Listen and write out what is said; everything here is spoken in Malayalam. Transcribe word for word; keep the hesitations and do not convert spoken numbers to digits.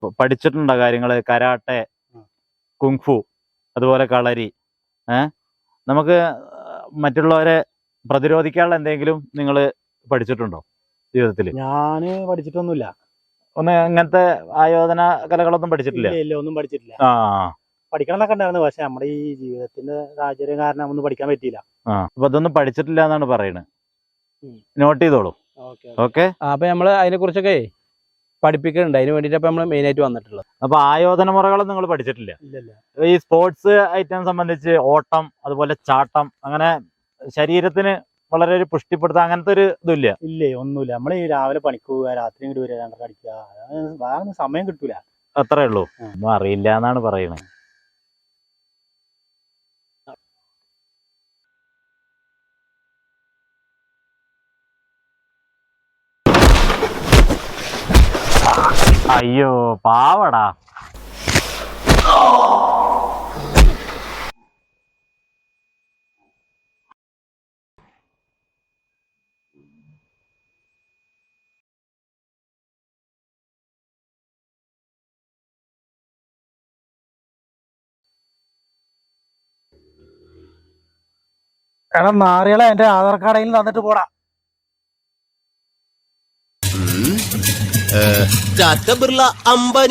പ- പഠിച്ചിട്ടുണ്ടോ കാര്യങ്ങള്? കരാട്ടെ, കുങ്ഫു, അതുപോലെ കളരി. ഏഹ് നമുക്ക് മറ്റുള്ളവരെ പ്രതിരോധിക്കാനുള്ള എന്തെങ്കിലും നിങ്ങൾ പഠിച്ചിട്ടുണ്ടോ ജീവിതത്തിൽ? ഞാന് പഠിച്ചിട്ടൊന്നുമില്ല. ഒന്ന് അങ്ങനത്തെ ആയോധന കലകളൊന്നും പഠിച്ചിട്ടില്ല? ഇല്ല ഇല്ല ഒന്നും പഠിച്ചിട്ടില്ല. ആ പഠിക്കണം എന്നൊക്കെ ഉണ്ടായിരുന്നു, പക്ഷെ നമ്മുടെ ഈ ജീവിതത്തിന്റെ സാഹചര്യം കാരണം ഒന്നും പഠിക്കാൻ പറ്റിയില്ല. ആ അപ്പൊ അതൊന്നും പഠിച്ചിട്ടില്ല എന്നാണ് പറയുന്നത്. ഉം. നോട്ട് ചെയ്തോളൂ. Okay okay. അപ്പൊ നമ്മള് അതിനെ കുറിച്ചൊക്കെ പഠിപ്പിക്കുന്നുണ്ട്. അതിന് വേണ്ടിട്ട് നമ്മൾ മെയിൻ ആയിട്ട് വന്നിട്ടുള്ളത്. അപ്പൊ ആയോധന മുറകളൊന്നും നിങ്ങൾ പഠിച്ചിട്ടില്ല? ഇല്ലല്ല. ഈ സ്പോർട്സ് ഐറ്റം സംബന്ധിച്ച് ഓട്ടം, അതുപോലെ ചാട്ടം, അങ്ങനെ ശരീരത്തിന് വളരെ ഒരു പുഷ്ടിപ്പെടുത്താൻ അങ്ങനത്തെ ഒരു ഇതില്ല? ഇല്ലേ ഒന്നുമില്ല. നമ്മള് ഈ രാവിലെ പണിക്ക് പോവുക, രാത്രി ഇങ്ങോട്ട് വരിക, രണ്ടര അടിക്കുക, വേറെ സമയം കിട്ടൂല. അത്രേ ഉള്ളൂ. ഒന്നും അറിയില്ല എന്നാണ് പറയുന്നത്. അയ്യോ പാവടാ. എടാ നാറികളെ, എന്റെ ആധാർ കാർഡിൽ തന്നിട്ട് പോടാ. ടാറ്റ ബിർള അംബാനി